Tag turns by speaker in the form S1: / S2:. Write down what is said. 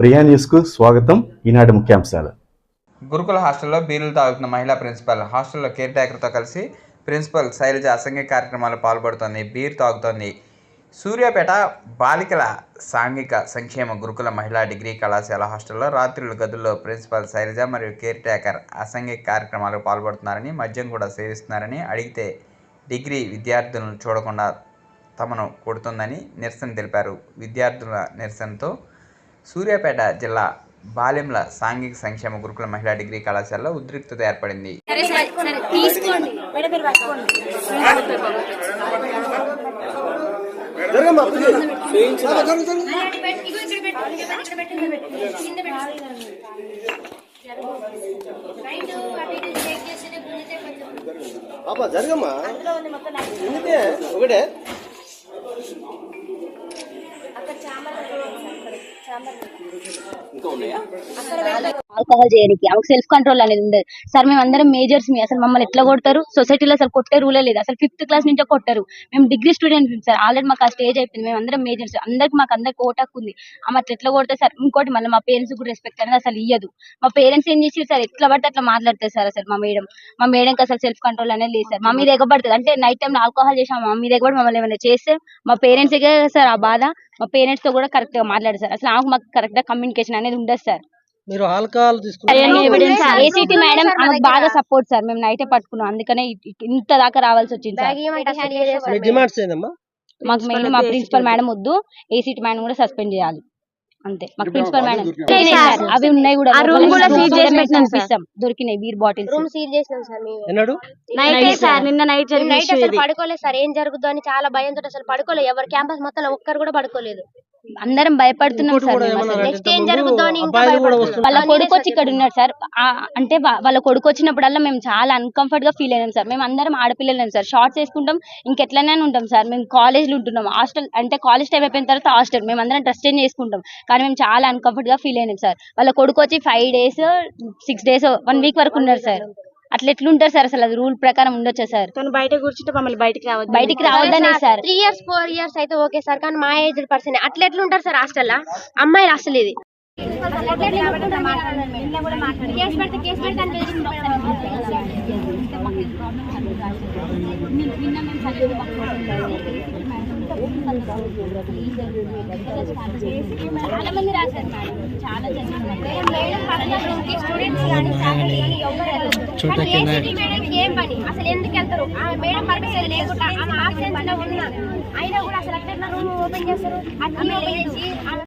S1: ప్రియా న్యూస్కు స్వాగతం. ఈనాటి ముఖ్యాంశాలు.
S2: గురుకుల హాస్టల్లో బీరులు తాగుతున్న మహిళా ప్రిన్సిపల్. హాస్టల్లో కేర్ టేకర్తో కలిసి ప్రిన్సిపల్ శైలజ అసంఘిక కార్యక్రమాలు పాల్పడుతోంది. బీర్ తాగుతోంది. సూర్యాపేట బాలికల సాంఘిక సంక్షేమ గురుకుల మహిళా డిగ్రీ కళాశాల హాస్టల్లో రాత్రుల గదుల్లో ప్రిన్సిపల్ శైలజ మరియు కేర్ టేకర్ అసంఘిక కార్యక్రమాలకు పాల్పడుతున్నారని, మద్యం కూడా సేవిస్తున్నారని, అడిగితే డిగ్రీ విద్యార్థులను చూడకుండా తమను కొడుతుందని నిరసన తెలిపారు. విద్యార్థుల నిరసనతో సూర్యాపేట జిల్లా బాలెంల సాంఘిక సంక్షేమ గురుకుల మహిళా డిగ్రీ కళాశాలలో ఉద్రిక్తత ఏర్పడింది.
S3: ఆల్కహాల్ చేయడానికి ఆమెకు సెల్ఫ్ కంట్రోల్ అనేది ఉండదు సార్. మేము అందరం మేజర్స్ అసలు మమ్మల్ని ఎట్లా కొడతారు? సొసైటీలో అసలు కొట్టే రూలే లేదు. అసలు 5th క్లాస్ నుంచే కొట్టారు. మేము డిగ్రీ స్టూడెంట్స్ సార్. ఆల్రెడీ మాకు ఆ స్టేజ్ అయిపోయింది. మేము అందరం మేజర్స్. మాకు అందరికి ఓటాకు ఉంది. ఆమె అట్లా ఎట్లా కొడతారు సార్? ఇంకోటి మళ్ళీ మా పేరెంట్స్ కూడా రెస్పెక్ట్ అనేది అసలు ఇయ్యదు. మా పేరెంట్స్ ఏం చేసి సార్ ఎట్లా పడితే అట్లా మాట్లాడతారు సార్. అసలు మా మేడంకి అసలు సెల్ఫ్ కంట్రోల్ అనేది లేదు సార్. మా మీద ఎగబడుతుంది. అంటే నైట్ టైం ఆల్కహాల్ చేసాం, మా మీద ఎగబడి మమ్మల్ని ఏమైనా చేస్తే మా పేరెంట్స్ సార్ ఆ బాధ. మా పేరెంట్స్ తో కూడా కరెక్ట్ గా మాట్లాడారు సార్. అసలు మాకు కరెక్ట్ గా కమ్యూనికేషన్ అనేది ఉండదు సార్.
S4: మీరు ఆల్కహాల్
S3: ఏసీటీ మేడం ఆమెకు బాగా సపోర్ట్ సార్. మేము నైటే పట్టుకున్నాం, అందుకనే ఇంత దాకా రావాల్సి వచ్చింది సార్. మాకు మెయిన్ మా ప్రిన్సిపల్ మేడం వద్దు, ఏసీటీ మేడం కూడా సస్పెండ్ చేయాలి అంతే. మాకు ప్రిన్సిపల్ మేడం అవి ఉన్నాయి కూడా దొరికినాయి బీర్ బాటిల్స్.
S5: రూమ్ సీల్ చేసినాం సార్. నిన్న నైట్ అసలు పడుకోలేదు సార్. ఏం జరుగుతుందో అని చాలా భయంతో అసలు పడుకోలేదు. ఎవరు క్యాంపస్ మొత్తం ఒక్కరు కూడా పడుకోలేదు.
S3: అందరం భయపడుతున్నాం సార్.
S5: నెక్స్ట్ ఏం జరుగుతుందో అని
S3: వాళ్ళ కొడుకు వచ్చి ఇక్కడ ఉన్నాడు సార్. అంటే వాళ్ళ కొడుకు వచ్చినప్పుడల్లా మేము చాలా అన్కంఫర్ట్ గా ఫీల్ అయినాం సార్. మేము అందరం ఆడపిల్లలేం సార్. షార్ట్స్ వేసుకుంటాం, ఇంకెట్లనే ఉంటాం సార్. మేము కాలేజ్లో ఉంటున్నాం. హాస్టల్ అంటే కాలేజ్ టైం అయిపోయిన తర్వాత హాస్టల్ మేము అందరం డ్రెస్ చేంజ్ చేసుకుంటాం. కానీ మేము చాలా అన్కంఫర్ట్ గా ఫీల్ అయినాం సార్. వాళ్ళ కొడుకు వచ్చి 5 days 6 days 1 week వరకు ఉన్నారు సార్. అట్లా ఎట్లుంటారు సార్? అసలు అది రూల్ ప్రకారం ఉండొచ్చా సార్?
S5: తను బయట కూర్చుంటే మమ్మల్ని
S3: బయటికి రావద్దనే సార్.
S5: 3 years 4 years అయితే ఓకే సార్. కానీ మా ఏజ్ పర్సన్ అట్లా ఎట్లుంటారు సార్ హాస్టల్లో? అమ్మాయిలు అసలు ఇది
S3: చాలా మంది రాశారు మేడం. చాలా
S5: ఏం పని అసలు ఎందుకు వెళ్తారు? మేడం పర్మిషన్ లేకుండా అయినా కూడా అసలు అట్లా రూమ్ ఓపెన్ చేస్తారు.